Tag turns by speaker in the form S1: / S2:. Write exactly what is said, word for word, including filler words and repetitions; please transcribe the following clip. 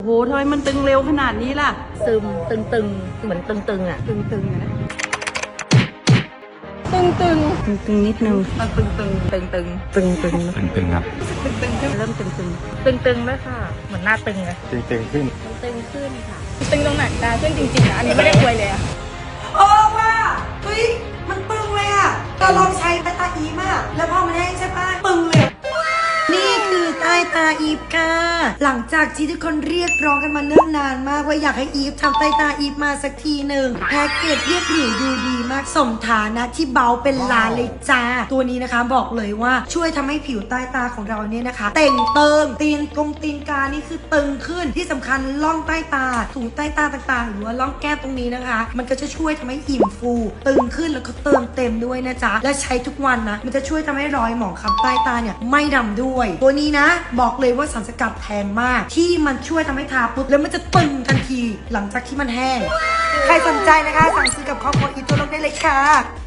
S1: โหทำไมมันตึงเร็วขนาดนี้ล่ะ
S2: ซึมตึงตึงเหมือนตึงตึงอ่ะ
S1: ตึงตึงนะ
S2: ตึงตึง
S1: ตึงตึงนิดนึง
S2: มันตึงตึงตึงตึง
S1: ตึงตึง
S3: ตึงๆครับ
S1: ตึงตึงเริ่มตึงตึง
S2: ตึงตึงแล้วค่ะเหมือนหน้าตึงเลย
S3: ตึงๆขึ้น
S2: ตึงขึ้นค่ะตึงตรงไหนตาขึ้นจริงๆนะอันนี้ไม่ได้อวยเลยอะ
S4: เออว่าเฮ้ยมันปึงเลยอะเราลองใช้ใต้ตาอีมากแล้วพอมันแห้งใช่ปะปึงเลยนี่คือใต้ตาอีฟค่ะหลังจากที่ทุกคนเรียกร้องกันมาเนิ่นนานมากว่าอยากให้อีฟทำใต้ตาอีฟมาสักทีหนึ่งแพ็กเกจเรียบหรูดูดีมากสมฐานะที่เบาเป็นล้านเลยจ้าตัวนี้นะคะบอกเลยว่าช่วยทำให้ผิวใต้ตาของเราเนี่ยนะคะเต่งเติงตีนกงตีนกานี่คือตึงขึ้นที่สำคัญล่องใต้ตาถุงใต้ตาต่างๆหรือว่าล่องแก้มตรงนี้นะคะมันก็จะช่วยทำให้อิ่มฟูตึงขึ้นแล้วก็เติมเต็มด้วยนะจ๊ะและใช้ทุกวันนะมันจะช่วยทำให้รอยหมองคล้ำใต้ตาเนี่ยไม่ดำด้วยตัวนี้นะบอกเลยว่าสารสกัดแพงมากที่มันช่วยทำให้ทาปุ๊บแล้วมันจะตึงทันทีหลังจากที่มันแห้งใครสนใจนะคะสั่งซื้อกับครอบครัวอีททั่วโลกได้เลยค่ะ